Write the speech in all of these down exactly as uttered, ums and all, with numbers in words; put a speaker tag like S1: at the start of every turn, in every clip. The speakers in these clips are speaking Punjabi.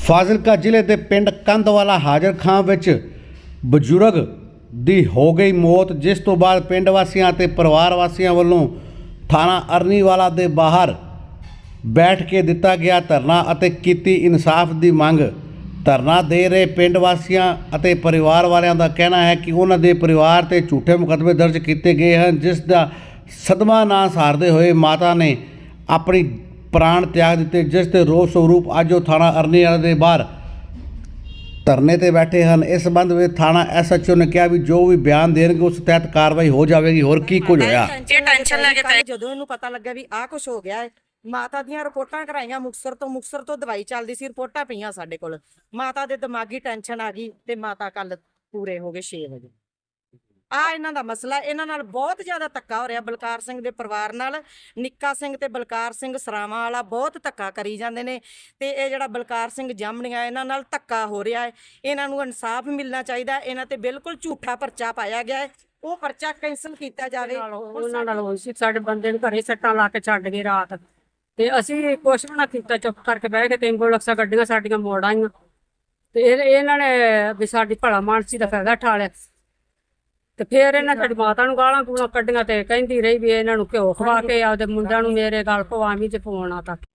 S1: ਫਾਜ਼ਿਲਕਾ ਜ਼ਿਲ੍ਹੇ ਦੇ ਪਿੰਡ ਕੰਧਵਾਲਾ ਹਾਜ਼ਰ ਖਾਂ ਵਿੱਚ ਬਜ਼ੁਰਗ ਦੀ ਹੋ ਗਈ ਮੌਤ, ਜਿਸ ਤੋਂ ਬਾਅਦ ਪਿੰਡ ਵਾਸੀਆਂ ਅਤੇ ਪਰਿਵਾਰ ਵਾਸੀਆਂ ਵੱਲੋਂ ਥਾਣਾ ਅਰਨੀਵਾਲਾ ਦੇ ਬਾਹਰ ਬੈਠ ਕੇ ਦਿੱਤਾ ਗਿਆ ਧਰਨਾ ਅਤੇ ਕੀਤੀ ਇਨਸਾਫ ਦੀ ਮੰਗ। ਧਰਨਾ ਦੇ ਰਹੇ ਪਿੰਡ ਵਾਸੀਆਂ ਅਤੇ ਪਰਿਵਾਰ ਵਾਲਿਆਂ ਦਾ ਕਹਿਣਾ ਹੈ ਕਿ ਉਹਨਾਂ ਦੇ ਪਰਿਵਾਰ ਤੇ ਝੂਠੇ ਮੁਕੱਦਮੇ ਦਰਜ ਕੀਤੇ ਗਏ ਹਨ, ਜਿਸ ਦਾ ਸਦਮਾ ਨਾ ਸਹਾਰਦੇ ਹੋਏ ਮਾਤਾ ਨੇ ਆਪਣੀ ਪ੍ਰਾਣ ਤਿਆਗ ਦਿੱਤੇ, ਜਿਸ ਦੇ ਰੋਸ ਸਰੂਪ ਅੱਜ ਉਹ ਥਾਣਾ ਅਰਨੀਵਾਲਾ ਦੇ ਬਾਹਰ ਧਰਨੇ ਤੇ ਬੈਠੇ ਹਨ। ਇਸ ਸੰਬੰਧ ਵਿੱਚ ਥਾਣਾ ਐਸ ਐਚ ਓ ਨੇ ਕਿਹਾ ਵੀ ਜੋ ਵੀ ਬਿਆਨ ਦੇਣਗੇ ਉਸ ਤਹਿਤ ਕਾਰਵਾਈ ਹੋ ਜਾਵੇਗੀ। ਹੋਰ ਕੀ ਕੁਝ ਹੋਇਆ
S2: ਇਹ ਟੈਨਸ਼ਨ ਲੈ ਕੇ ਪਏ। ਜਦੋਂ ਇਹਨੂੰ ਪਤਾ ਲੱਗਾ ਵੀ ਆਹ ਕੁਝ ਹੋ ਗਿਆ ਹੈ, ਮਾਤਾ ਦੀਆਂ ਰਿਪੋਰਟਾਂ ਕਰਾਈਆਂ ਮੁਕਤਸਰ ਤੋਂ ਮੁਕਤਸਰ ਤੋਂ ਦਵਾਈ ਚੱਲਦੀ ਸੀ, ਰਿਪੋਰਟਾਂ ਪਈਆਂ ਸਾਡੇ ਕੋਲ। ਮਾਤਾ ਦੇ ਦਿਮਾਗੀ ਟੈਨਸ਼ਨ ਆ ਗਈ ਤੇ ਮਾਤਾ ਕੱਲ ਪੂਰੇ ਹੋ ਗਏ ਛੇ ਵਜੇ। ਆ ਇਹਨਾਂ ਦਾ ਮਸਲਾ, ਇਹਨਾਂ ਨਾਲ ਬਹੁਤ ਜ਼ਿਆਦਾ ਧੱਕਾ ਹੋ ਰਿਹਾ। ਬਲਕਾਰ ਸਿੰਘ ਦੇ ਪਰਿਵਾਰ ਨਾਲ ਨਿੱਕਾ ਸਿੰਘ ਤੇ ਬਲਕਾਰ ਸਿੰਘ ਸਰਾਵਾਂ ਵਾਲਾ ਬਹੁਤ ਧੱਕਾ ਕਰੀ ਜਾਂਦੇ ਨੇ ਤੇ ਇਹ ਜਿਹੜਾ ਬਲਕਾਰ ਸਿੰਘ ਜਾਮਣੀਆਂ ਇਹਨਾਂ ਨਾਲ ਧੱਕਾ ਹੋ ਰਿਹਾ ਹੈ। ਇਹਨਾਂ ਨੂੰ ਇਨਸਾਫ ਮਿਲਣਾ ਚਾਹੀਦਾ। ਇਹਨਾਂ ਤੇ ਬਿਲਕੁਲ ਝੂਠਾ ਪਰਚਾ ਪਾਇਆ ਗਿਆ ਹੈ, ਉਹ ਪਰਚਾ ਕੈਂਸਲ ਕੀਤਾ ਜਾਵੇ।
S3: ਉਹਨਾਂ ਨਾਲ ਹੋਈ ਸੀ, ਸਾਡੇ ਬੰਦੇ ਨੂੰ ਘਰੇ ਸੱਟਾਂ ਲਾ ਕੇ ਛੱਡ ਗਏ ਰਾਤ ਤੇ ਅਸੀਂ ਕੁਛ ਵੀ ਨਾ ਕੀਤਾ, ਚੁੱਪ ਕਰਕੇ ਬਹਿ ਕੇ ਤੇ ਐਂਬੂਲੈਂਸਾਂ ਗੱਡੀਆਂ ਸਾਡੀਆਂ ਮੋੜ ਆਈਆਂ ਤੇ ਇਹ ਇਹਨਾਂ ਨੇ ਵੀ ਸਾਡੀ ਭਲਾ ਮਾਨਸੀ ਦਾ ਫਾਇਦਾ ਉਠਾ ਲਿਆ ਤੇ ਫਿਰ ਇਹਨਾਂ ਸਾਡੀ ਮਾਤਾ ਨੂੰ ਗਾਲਾਂ ਗੂਲਾਂ ਕੱਢੀਆਂ ਤੇ ਕਹਿੰਦੀ ਰਹੀ ਵੀ ਇਹਨਾਂ ਨੂੰ ਘਿਓ ਖਵਾ ਕੇ ਆਪਦੇ ਮੁੰਡਿਆਂ ਨੂੰ ਮੇਰੇ ਗਲ ਪਵਾਵੀਂ ਤੇ ਫੋਨ ਆ ਤੱਕ।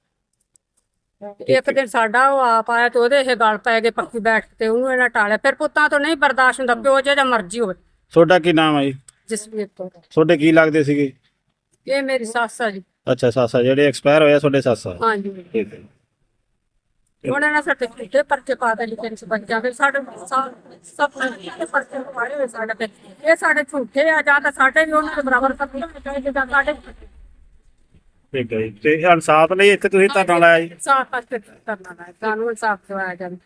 S3: ਇੱਕ ਦਿਨ ਸਾਡਾ ਉਹ ਆਪ ਆਇਆ ਤੇ ਉਹਦੇ ਇਹ ਗਲ ਪੈ ਗਏ ਪੱਕੀ ਬੈਠ ਤੇ ਉਹਨੂੰ ਇਹਨਾਂ ਟਾਲਿਆ। ਫਿਰ ਪੁੱਤਾਂ ਤੋਂ ਨਹੀਂ ਬਰਦਾਸ਼ਤ ਹੁੰਦਾ, ਪਿਓ ਜਿਹੜਾ ਮਰਜ਼ੀ ਹੋਵੇ।
S4: ਤੁਹਾਡਾ ਕੀ ਨਾਮ ਹੈ ਜੀ?
S3: ਜਸਵੀਰ ਤੋਂ।
S4: ਤੁਹਾਡੇ ਕੀ ਲੱਗਦੇ ਸੀਗੇ?
S3: ਇਹ ਮੇਰੀ ਸੱਸ ਆ ਜੀ।
S4: ਅੱਛਾ, ਸੱਸ ਆ, ਜਿਹੜੇ ਐਕਸਪਾਇਰ ਹੋਇਆ ਤੁਹਾਡੇ ਸੱਸ ਆ?
S3: ਹਾਂਜੀ
S4: ਠੀਕ ਹੈ।
S3: ਉਹਨਾਂ ਨੇ ਸਾਡੇ ਝੂਠੇ ਪਰਚੇ ਪਾ ਦੇ ਲਿਖੇ ਸੀ ਬੱਚਿਆਂ ਦੇ, ਸਾਡੇ ਸਭ ਸਭ ਪਰਚੇ ਪਾਏ ਹੋਏ ਸਾਡੇ ਤੇ। ਇਹ ਸਾਡੇ ਝੂਠੇ ਆ, ਜਾਂ ਤਾਂ ਸਾਡੇ ਵੀ ਉਹਨਾਂ ਦੇ ਬਰਾਬਰ ਕਰਨੇ ਚਾਹੀਦੇ ਜਾਂ ਸਾਡੇ।
S4: ਠੀਕ ਹੈ ਜੀ। ਤੇ ਇਨਸਾਫ ਲਈ ਇੱਥੇ ਤੁਸੀਂ ਧਰਨਾ ਲਾਇਆ ਜੀ?
S3: ਇਨਸਾਫ ਵਾਸਤੇ ਕਰਨਾ ਹੈ, ਕਾਨੂੰਨ ਇਨਸਾਫ ਦਿਵਾਇਆ ਜਾਵੇ।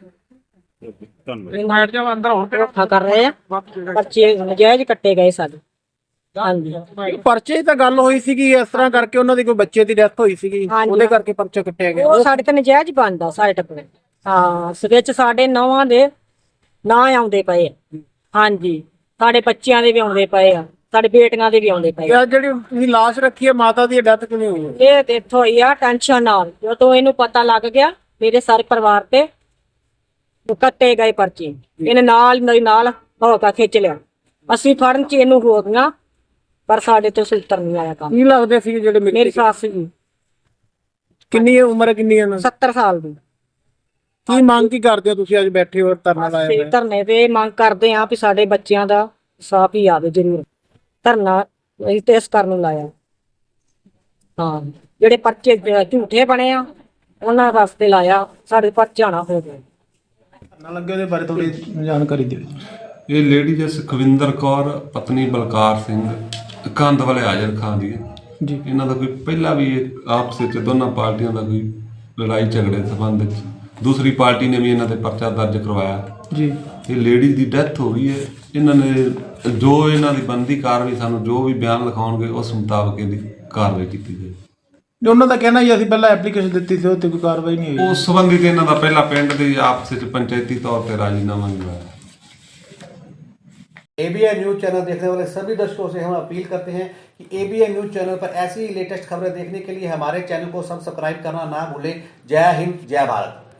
S5: ਧੋਖਾ ਕਰ ਰਹੇ ਆ, ਪਰਚੇ ਨਜਾਇਜ਼ ਕੱਟੇ ਗਏ ਸਾਡੇ। ਹਾਂਜੀ,
S4: ਪਰਚੇ ਤਾਂ ਗੱਲ ਹੋਈ ਸੀਗੀ ਇਸ ਤਰ੍ਹਾਂ ਕਰਕੇ, ਉਹਨਾਂ ਦੀ ਕੋਈ ਬੱਚੇ ਦੀ ਡੈਥ ਹੋਈ ਸੀਗੀ, ਉਹਦੇ ਕਰਕੇ ਪਰਚਾ ਕੱਟਿਆ ਗਿਆ।
S5: ਉਹ ਸਾਡੇ ਤੇ ਨਜਾਇਜ਼ ਬਣਦਾ ਸਾਡੇ ਟੱਪਰੇ। ਹਾਂ, ਇਸ ਵਿੱਚ ਸਾਡੇ ਨੌਵਾਂ ਦੇ ਨਾਂ ਆਉਂਦੇ ਪਏ ਆ। ਹਾਂਜੀ, ਸਾਡੇ ਬੱਚਿਆਂ ਦੇ ਵੀ ਆਉਂਦੇ ਪਏ ਆ, ਸਾਡੇ ਬੇਟੀਆਂ ਦੇ ਵੀ ਆਉਂਦੇ ਪਏ ਆ।
S4: ਜਿਹੜੀ ਤੁਸੀਂ ਲਾਸ਼ ਰੱਖੀ ਹੈ ਮਾਤਾ ਦੀ, ਡੈਥ ਕਿਵੇਂ ਹੋਈ ਹੈ?
S5: ਇਹ ਤੇ ਇੱਥੋਂ ਹੋਈ ਆ ਟੈਨਸ਼ਨ ਨਾਲ। ਜਦੋਂ ਇਹਨੂੰ ਪਤਾ ਲੱਗ ਗਿਆ ਮੇਰੇ ਸਾਰੇ ਪਰਿਵਾਰ ਤੇ ਕੱਟੇ ਗਏ ਪਰਚੇ, ਇਹਨੇ ਨਾਲ ਮੇਰੇ ਨਾਲ ਹੋ ਕੇ ਖਿੱਚ ਲਿਆ। ਅਸੀਂ ਫੜਨ ਚ ਇਹਨੂੰ ਹੋ ਗਈਆਂ ਪਰ ਸਾਡੇ ਤੋਂ ਸੂਤਰ ਨਹੀਂ ਆਇਆ ਕੰਮ।
S4: ਕੀ ਲੱਗਦੇ ਸੀ ਜਿਹੜੇ?
S5: ਮੇਰੀ ਸੱਸ ਜੀ।
S4: ਕਿੰਨੀ ਉਮਰ ਕਿੰਨੀ ਹੈ?
S5: ਸੱਤਰ ਸਾਲ ਦੀ।
S4: ਕੀ ਮੰਗ ਕੀ ਕਰਦੇ ਹੋ ਤੁਸੀਂ ਅੱਜ ਬੈਠੇ ਹੋ ਧਰਨਾ ਲਾਇਆ ਹੋਇਆ?
S5: ਧਰਨੇ ਤੇ ਮੰਗ ਕਰਦੇ ਆ ਵੀ ਸਾਡੇ ਬੱਚਿਆਂ ਦਾ ਇਨਸਾਫ ਹੀ ਆਵੇ ਜ਼ਰੂਰ। ਧਰਨਾ ਅਸੀਂ ਤੇ ਇਸ ਕਰਨ ਨੂੰ ਲਾਇਆ। ਹਾਂ, ਜਿਹੜੇ ਪਰਚੇ ਝੂਠੇ ਬਣੇ ਆ ਉਹਨਾਂ ਵਾਸਤੇ ਲਾਇਆ, ਸਾਡੇ ਪਰਚਾ ਨਾ ਹੋ ਜਾਵੇ।
S4: ਨਾ ਲੱਗੇ ਉਹਦੇ ਬਾਰੇ ਥੋੜੀ ਜਾਣਕਾਰੀ ਦਿਓ।
S6: ਇਹ ਲੇਡੀ ਜਿਸ ਸੁਖਵਿੰਦਰ ਕੌਰ ਪਤਨੀ ਬਲਕਾਰ ਸਿੰਘ ਕੰਧਵਾਲੇ ਹਾਜ਼ਰ ਖਾਂ ਦੀ ਹੈ
S4: ਜੀ।
S6: ਇਹਨਾਂ ਦਾ ਕੋਈ ਪਹਿਲਾਂ ਵੀ ਆਪਸ ਵਿੱਚ ਦੋਨਾਂ ਪਾਰਟੀਆਂ ਦਾ ਕੋਈ ਲੜਾਈ ਝਗੜੇ ਦੇ ਸੰਬੰਧ ਵਿੱਚ ਦੂਸਰੀ ਪਾਰਟੀ ਨੇ ਵੀ ਇਹਨਾਂ ਤੇ ਪਰਚਾ ਦਰਜ ਕਰਵਾਇਆ
S4: ਜੀ।
S6: ਇਹ ਲੇਡੀ ਦੀ ਡੈਥ ਹੋ ਗਈ ਹੈ। ਇਹਨਾਂ ਨੇ ਜੋ ਇਹਨਾਂ ਦੀ ਬਣਦੀ ਕਾਰਵਾਈ, ਸਾਨੂੰ ਜੋ ਵੀ ਬਿਆਨ ਲਿਖਾਉਣਗੇ ਉਸ ਮੁਤਾਬਕ ਇਹਦੀ ਕਾਰਵਾਈ ਕੀਤੀ ਜਾਏ।
S4: ਉਹਨਾਂ ਦਾ ਕਹਿਣਾ ਜੀ ਅਸੀਂ ਪਹਿਲਾਂ ਐਪਲੀਕੇਸ਼ਨ ਦਿੱਤੀ ਸੀ, ਉਹ ਤੇ ਕੋਈ ਕਾਰਵਾਈ ਨਹੀਂ ਹੋਈ।
S6: ਉਸ ਸੰਬੰਧੀ ਤੇ ਇਹਨਾਂ ਦਾ ਪਹਿਲਾਂ ਪਿੰਡ ਦੇ ਆਪਸ ਵਿੱਚ ਪੰਚਾਇਤੀ ਤੌਰ ਤੇ राजीनामा भी हुआ है।
S1: एबीएन न्यूज चैनल देखने वाले सभी दर्शकों से हम अपील करते हैं कि एबीएन न्यूज चैनल पर ऐसी लेटेस्ट खबरें देखने के लिए हमारे चैनल को सब्सक्राइब करना ना भूलें। जय हिंद, जय भारत।